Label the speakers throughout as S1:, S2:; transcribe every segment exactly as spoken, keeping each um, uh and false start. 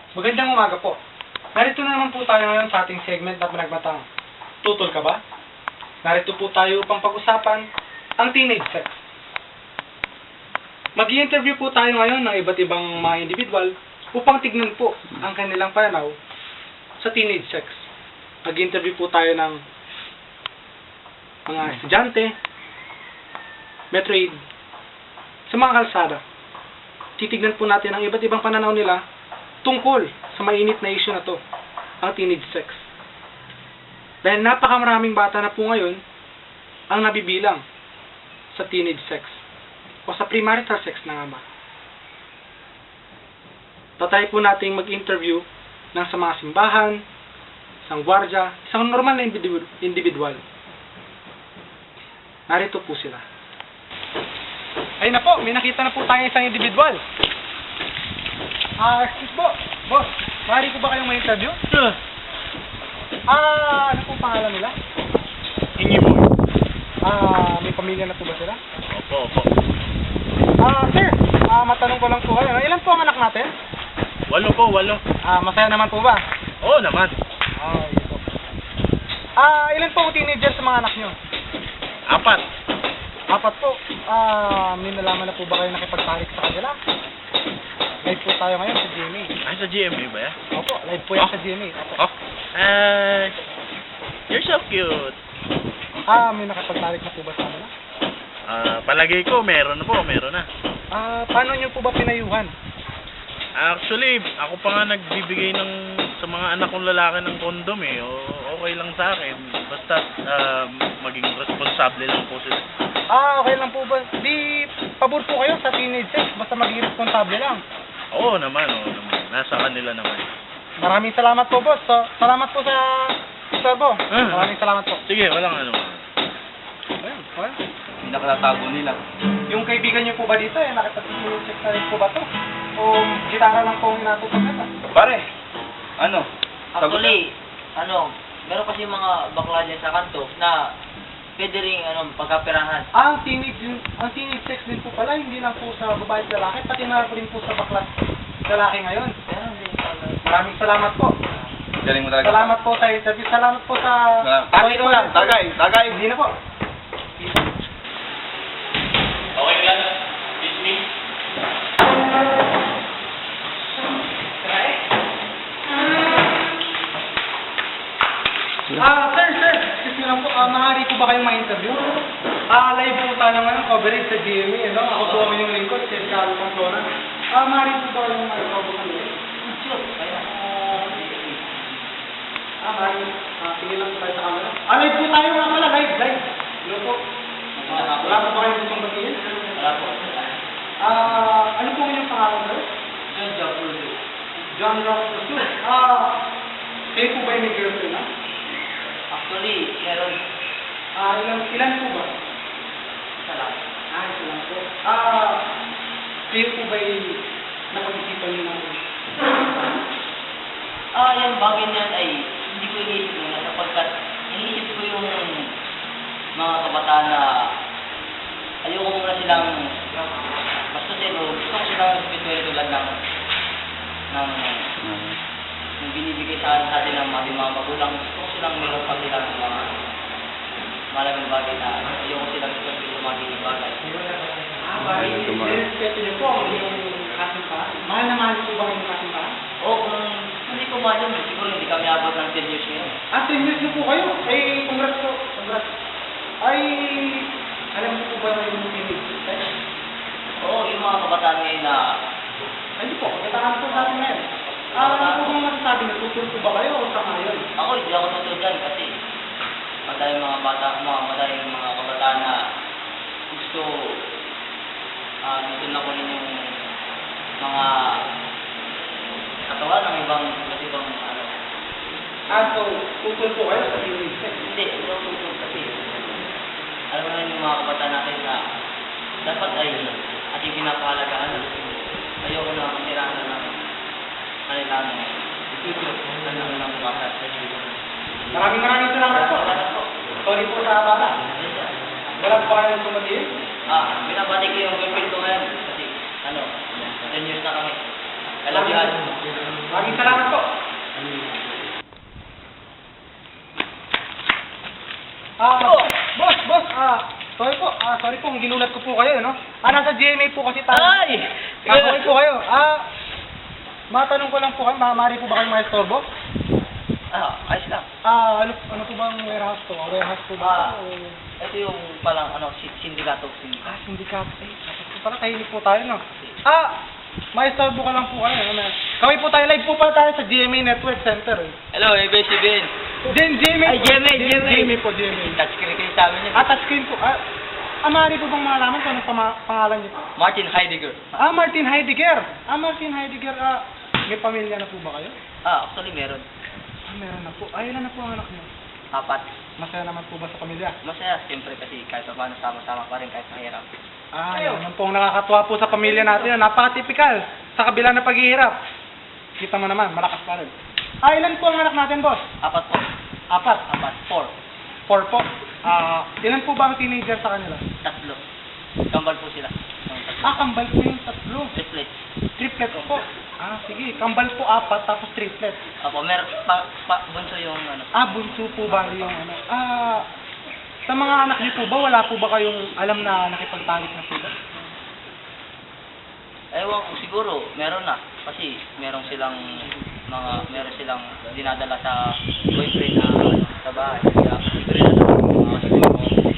S1: Magandang umaga po. Narito na naman po tayo ngayon sa ating segment na pinagmatang Tutol Ka Ba? Narito po tayo upang pag-usapan ang teenage sex. Mag-i-interview po tayo ngayon ng iba't ibang mga individual upang tignan po ang kanilang pananaw sa teenage sex. Mag-i-interview po tayo ng mga estudyante, metro aid, sa mga kalsada. Titignan po natin ang iba't ibang pananaw nila tungkol sa mainit na issue na to, ang teenage sex. Dahil napakamaraming bata na po ngayon ang nabibilang sa teenage sex o sa premarital sex na nga ba. Tatay po nating mag-interview ng sa mga simbahan, isang gwardya, isang normal na individual. Narito po sila. Ayun na po, may nakita na po tayo isang individual. Ah, uh, excuse po, boss, maaari ko ba kayong ma-interview?
S2: Sure.
S1: Ah, ano po pangalan nila?
S2: Hingi mo.
S1: Ah, may pamilya na po ba sila?
S2: Opo, opo.
S1: Ah, sir, ah, matanong ko lang po kayo. Ilan po ang anak natin?
S2: Walo po, walo.
S1: Ah, masaya naman po ba?
S2: Oo naman.
S1: Ah, yun po. Ah, ilan po ang teenager sa mga anak nyo?
S2: Apat.
S1: Apat po. Ah, may nalaman na po ba kayo nakipagtarik sa kanila? Live po tayo ngayon sa G M A.
S2: Ay, sa G M A ba yan?
S1: Opo, live po yan
S2: Oh?
S1: sa G M A. Opo.
S2: Oh? Uh, you're so cute.
S1: Ah, may nakipagtarik na po ba sa kanila?
S2: Ah, palagay ko, meron na po, meron na.
S1: Ah, paano nyo po ba pinayuhan?
S2: Actually, ako pa nga nagbibigay ng sa mga anak kong lalaki ng kondom eh. O, okay lang sa akin. Basta ah, maging responsable lang po sila.
S1: Ah, okay lang po ba? Di, pabor po kayo sa teenage sex, basta maging responsable lang.
S2: Oo naman, oo naman. Nasa kanila naman.
S1: Maraming salamat po, boss. So, salamat po sa servo.
S2: Ah.
S1: Maraming salamat po.
S2: Sige, walang ano.
S1: Ayun, well,
S2: Hindi nakatago nila.
S1: yung kaibigan niyo po ba dito, eh, nakipag-teenage sex na rin po ba to? O gitara lang po ang inatupag nito?
S2: Pare, ano?
S3: Actually, ano, meron kasi mga bakla dyan sa kanto na pwede rin ano, pagkapirahan.
S1: Ah, ang teenage, yung- ang teenage sex din po pala, hindi lang po sa babae at lalaki, pati na rin po sa bakla lalaki ngayon.
S3: Meron din pala.
S1: Maraming salamat po.
S2: Galing mo
S1: Salamat po sa interview. Salamat po sa...
S2: Tagay mo lang, tagay, tagay.
S1: Hindi na po.
S2: Okay lang. Dismiss.
S1: Ah, sir, sir. Excuse me lang po. Ah, maaari po ba kayong ma-interview? Ah, live po tayo ngayon. Coverage sa G M A. Ano? Ako po ang inyong lingkod. Si Carlo Pamplona. Ah, maaari po ba kayong ma-interview po kami?
S3: Sure, kaya.
S1: Ah, maaari. Ah, sige lang po tayo sa camera. Ah, live po tayo nga pala. Live, live. Hello po. Wala po ba kayong gustong batiin?
S3: Wala po.
S1: Ah, ano po inyong pangalan, sir?
S3: John Japulo.
S1: John Rock Rasul. Ah, kayo po ba yung may girlfriend na?
S3: Actually, meron.
S1: Ah, ilan, ilan po ba?
S3: Isa lang.
S1: Ah, ito lang po. Ah, kayo po ba yung napag-isipan niyo ng...
S3: Ah, yung bagay niyan ay hindi ko iniisip muna sapagkat iniisip ko yung mga kabataan na ayoko muna silang basta sino, gusto ko silang spiritual tulad ng ng yung binibigay sa atin sa atin ng ating mga magulang. Gusto ko silang meron pa sila ng mga malaking bagay na ayoko silang spiritual sa mga ganyan bagay.
S1: Ah, bakit? Respeto niyo po ang inyong kasimbahan. Mahal na mahal po ba ang inyong kasimbahan?
S3: Oo, kung hindi ko mahal yun, siguro hindi kami abot ng ten years ngayon.
S1: Ah, ten years na po kayo. Eh, congrats po. Congrats. Ay, alam niyo po ba na yung teenage sex?
S3: Oo, yung mga kabataan ngayon na
S1: Hindi po, kailangan po sa atin ngayon. Ah, ano po bang masasabi niyo? Tutulog po ba kayo o sa ngayon?
S3: ako hindi ako tutulgan kasi madaling mga bata, mga madaling mga kabataan na gusto ah uh, na kunin yung mga katawan ng ibang iba't ibang ano.
S1: Ah, so, tutulog po kayo sa teenage sex?
S3: Hindi, hindi ako tutulog kasi alam mo naman yung mga kabataan natin na dapat ay ating pinapahalagaan. Ayoko na masiraan na ng kanilang future, kanilang ng bata.
S1: Maraming maraming salamat po. Sorry po sa abala. Wala po kayo tumatiin?
S3: Ah, binabati ko yung girlfriend ko ngayon kasi ano, ten years na kami. I love you all.
S1: Maraming salamat po. Ah, boss, boss, ah, sorry po, ah, sorry po kung ginulat ko po kayo, no? Ah, nasa G M A po kasi tayo.
S3: Ay!
S1: Ah, sorry po kayo. Ah, matanong ko lang po kayo, maaari po ba kayong maestorbo?
S3: Ah, ayos lang.
S1: Ah, ano, ano po bang warehouse to? Warehouse po ba?
S3: Ah,
S1: o...
S3: ito yung palang ano, si- sindikato. Sindikato.
S1: Ah, sindikato. Eh, dapat po pala tahimik po tayo, no? Ah, maestorbo ka lang po kayo. Ano? Kami po tayo, live po pala tayo sa G M A Network Center. Eh.
S3: Hello, A B C B N.
S1: Gen, G M A
S3: Ay, G M A, G M A.
S1: G M A po, G M A.
S3: Touchscreen kayo sa amin yun.
S1: Ah, touchscreen po. Ah, ah maaari po bang malaman kung anong pama- pangalan niyo po?
S3: Martin Heidegger.
S1: Ah, Martin Heidegger. Ah, Martin Heidegger. Ah, may pamilya na po ba kayo?
S3: Ah, actually meron.
S1: Ah, meron na po. Ah, ilan na po ang anak niyo?
S3: Apat.
S1: Masaya naman po ba sa pamilya?
S3: Masaya, siyempre kasi kahit pa paano sama-sama pa rin kahit mahirap.
S1: Ah, yan naman po ang nakakatuwa po sa pamilya natin. Napaka-typical. Sa kabila ng paghihirap. Kita mo naman, malakas pa rin. Ah, ilan po ang anak natin, boss?
S3: Apat po.
S1: Apat.
S3: Apat. Four.
S1: Four po. Ah, ilan po ba ang teenager sa kanila?
S3: Tatlo. Kambal po sila. Ang tatlo.
S1: Ah, kambal po yung tatlo.
S3: Triplet.
S1: Triplet po. Ah, sige. Kambal po apat, tapos triplet.
S3: Opo, mer pa, pa, bunso yung ano.
S1: Ah, bunso po ba yung ano? Ah, sa mga anak niyo po ba, wala po ba kayong alam na nakipagtalik na sila?
S3: Ewan ko, siguro, meron na. Kasi meron silang mga, meron silang dinadala sa boyfriend na sa bahay. Kaya siguro na mga siguro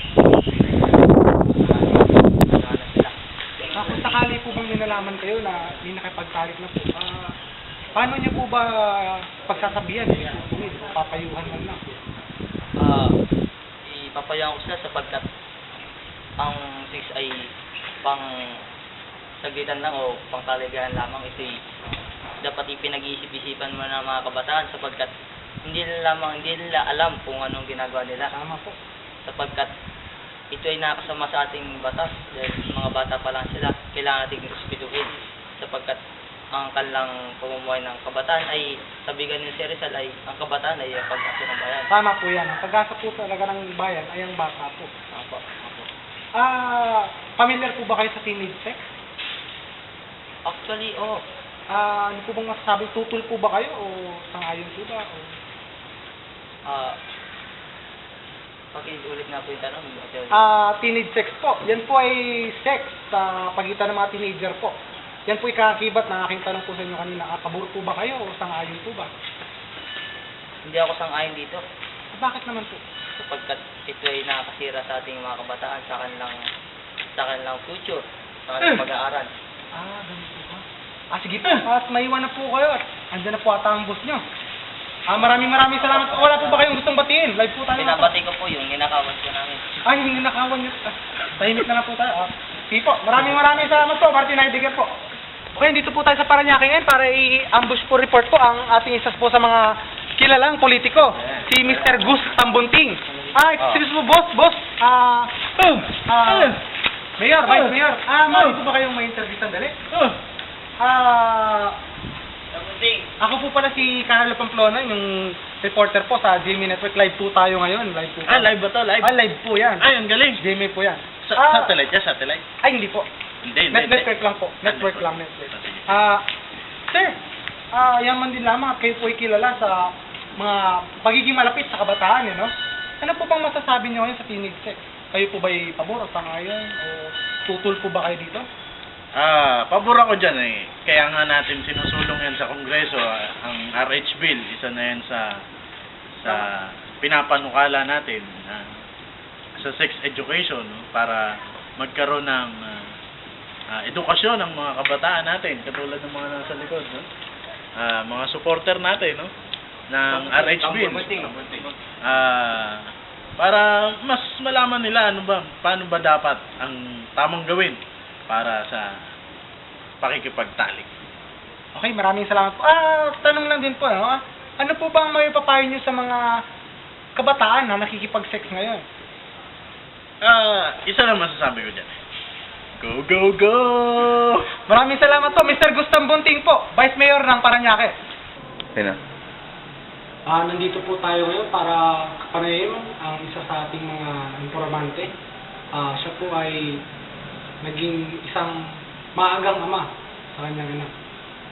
S3: na sila.
S1: Ah, kung sakali po bang minalaman kayo na may nakipagtalik na po, ah, paano niyo po ba pagsasabihan? Eh, papayuhan man lang.
S3: Ah, ipapayaan ko sila sapagkat ang sex ay pang saglitan lang o pang kaligayahan lamang. Ito ay dapat ipinag-iisip-isipan mo ng mga kabataan sapagkat hindi nila lamang hindi nila alam kung anong ginagawa nila
S1: Tama po.
S3: sapagkat ito ay nakasama sa ating batas dahil mga bata pa lang sila, kailangan nating respetuhin sapagkat ang kanilang pamumuhay ng kabataan ay sabigan ni si Rizal ay ang kabataan ay ang pag-asa ng bayan.
S1: Tama po yan. Ang pag-asa po talaga ng bayan ay ang bata po.
S3: Apo, apo.
S1: Ah, familiar po ba kayo sa teenage sex?
S3: Actually, oh,
S1: Ah, ano po bang masasabi? Tutol po ba kayo o sangayon po ba? O...
S3: ah, pakiulit nga po yung tanong. Okay.
S1: Ah, teenage sex po. Yan po ay sex sa pagitan ng mga teenager po. Yan po ikakibat na aking tanong po sa inyo kanina. Ah, pabor po ba kayo o sangayon po ba?
S3: Hindi ako sang-ayon dito
S1: Ah, bakit naman po?
S3: sapagkat ito ay nakakasira sa ating mga kabataan sa kanilang sa kanilang future, sa kanilang
S1: Eh.
S3: pag-aaral.
S1: Ah, ganun po ba? Ah, sige po. At maiwan na po kayo. At andyan na po ata ang boss nyo. Ah, maraming maraming salamat po. Wala po ba kayong gustong batiin? Live po tayo.
S3: Pinabati ko po yung ginakawan ko namin.
S1: Ay, hindi nakawan nyo. Ah, tahimik na lang po tayo. Ah, sige po. Maraming maraming salamat po. Martin Heidegger po. Okay, dito po tayo sa Parañaque ngayon para i-ambush po report po ang ating isa po sa mga kilalang politiko. Si Mister Gus Tambunting. Ah, excuse mo, boss, boss. Ah, ah, Mayor, Vice Mayor. Ah, maaari po ba kayong may interview sandali? Ah,
S3: Tambunting.
S1: ako po pala si Carlo Pamplona, yung reporter po sa G M A Network. Live po tayo ngayon. Live po.
S2: Ah, live ba to? Live?
S1: Ah, live po yan.
S2: Ay, ang galing.
S1: G M A po yan.
S2: Sa
S1: Ah,
S2: satellite yan, satellite.
S1: Ay, hindi po.
S2: Hindi, hindi.
S1: Net
S2: hindi.
S1: network lang po. Network lang, network.
S2: Ah, sige.
S1: Ah, sir, ah, yaman din lamang at kayo po ay kilala sa mga pagiging malapit sa kabataan, eh, no? Ano po bang masasabi niyo ngayon sa teenage sex? Kayo po ba ay pabor o sangayon? O tutol po ba kayo dito?
S2: Ah, pabor ako dyan eh. Kaya nga natin sinusulong yan sa Kongreso, ah, ang R H Bill, isa na yan sa sa pinapanukala natin ah, sa sex education, no? Para magkaroon ng ah, ah, edukasyon ng mga kabataan natin, katulad ng mga nasa likod, no? Ah, mga supporter natin, no? Ng R H Bill. Ah, para mas malaman nila ano ba, paano ba dapat ang tamang gawin para sa pakikipagtalik.
S1: Okay, maraming salamat po. Ah, tanong lang din po, no? Ah, ano po bang may papayo niyo sa mga kabataan na nakikipag-sex ngayon?
S2: Ah, isa lang masasabi ko dyan. Go, go, go!
S1: Maraming salamat po, Mister Gustam Bunting po, Vice Mayor ng Parañaque.
S2: Sino?
S1: Ah, nandito po tayo ngayon para kapanayin ang isa sa ating mga informante. Ah, siya po ay naging isang maagang ama sa kanyang anak.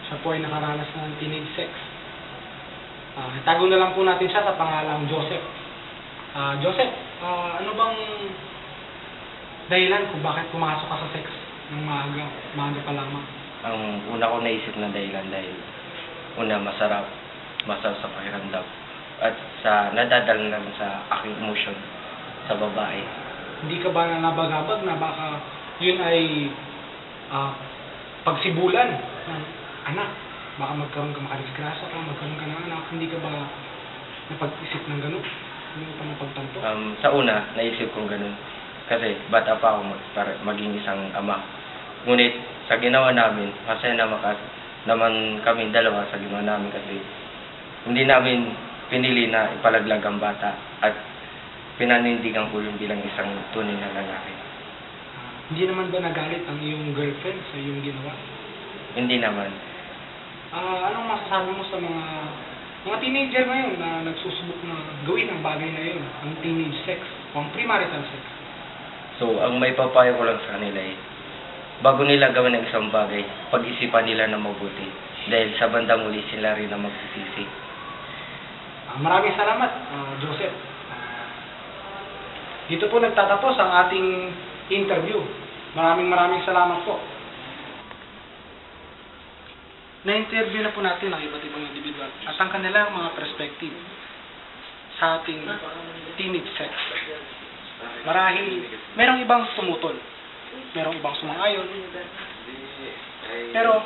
S1: siya po ay nakaranas ng teenage sex. Ah, itago na lang po natin siya sa pangalang Joseph. Ah, Joseph, ah, ano bang dahilan kung bakit pumasok ka sa sex ng maaga, maaga pa lamang?
S4: Ang una ko naisip na dahilan dahil una masarap, masarap sa pakiramdam at sa nadadala lang sa aking emotion sa babae.
S1: Hindi ka ba na nabagabag na baka yun ay ah, pagsibulan ng anak? Baka magkaroon ka makadisgrasya ka, magkaroon ka ng anak, hindi ka ba napag-isip ng gano'n? Hindi mo pa napagtanto?
S4: Um, sa una, naisip kong ganun. Kasi bata pa ako mag, para maging isang ama. Ngunit sa ginawa namin, masaya na makas naman kami dalawa sa ginawa namin kasi hindi namin pinili na ipalaglag ang bata at pinanindigan ko yun bilang isang tunay na lalaki.
S1: Ah, hindi naman ba nagalit ang iyong girlfriend sa iyong ginawa?
S4: Hindi naman.
S1: Ah, anong masasabi mo sa mga mga teenager ngayon na nagsusubok na gawin ang bagay na yun, ang teenage sex o ang premarital sex?
S4: So, ang may papayo ko lang sa kanila eh, bago nila gawin ang isang bagay, pag-isipan nila na mabuti. Dahil sa bandang uli sila rin na magsisisi.
S1: Ah, maraming salamat, ah, Joseph. Ah, dito po nagtatapos ang ating interview. Maraming maraming salamat po. Na-interview na po natin ang iba't ibang individual at ang kanilang mga perspective sa ating teenage sex. Marahil, merong ibang tumutol, merong ibang sumang-ayon, pero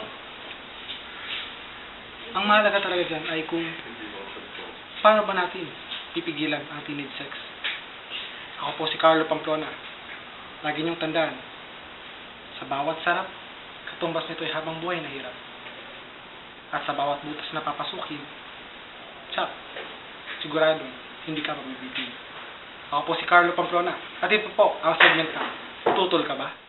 S1: ang mahalaga talaga dyan ay kung paano ba natin pipigilan ang teenage sex. Ako po si Carlo Pamplona. Lagi niyong tandaan, sa bawat sarap, katumbas nito ay habang buhay na hirap. At sa bawat butas na papasukin, tsak, sigurado, hindi ka mabibitin. Ako po si Carlo Pamplona. At ito po ang segment na, tutol ka ba?